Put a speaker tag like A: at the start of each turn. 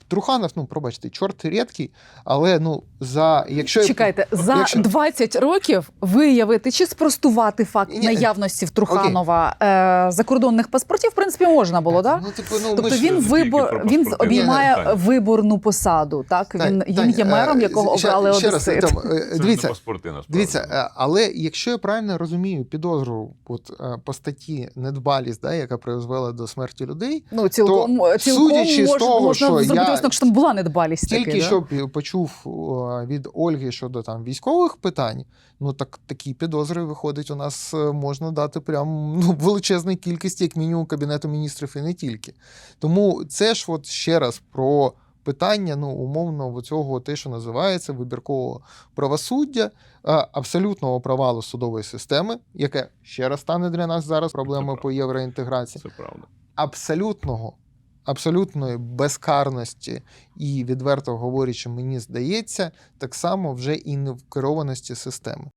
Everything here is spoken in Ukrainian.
A: Труханов, ну, пробачте, чорт рідкий, але, ну, якщо...
B: Чекайте, за 20 років виявити чи спростувати факт наявності в Труханова закордонних паспортів, в принципі, можна було, так?
A: Ну, типу,
B: Тобто він обіймає виборну посаду, так? Він є мером, якого обрали одесити.
A: Дивіться, але якщо я правильно розумію підозру по статті недбалість, яка призвела до смерті людей,
B: ну, цілком можна зробити висновок, що там була недбалість.
A: Тільки що почув від Ольги щодо там військових питань, ну так такі підозри, виходить, у нас можна дати прям величезну кількість, як мінімум, Кабінету міністрів і не тільки. Тому це ж от ще раз про питання, ну, умовно, цього те, що називається вибіркового правосуддя, абсолютного провалу судової системи, яке ще раз стане для нас зараз проблемою по євроінтеграції.
C: Це правда.
A: Абсолютної безкарності і, відверто говорячи, мені здається, так само вже і невкерованості системи.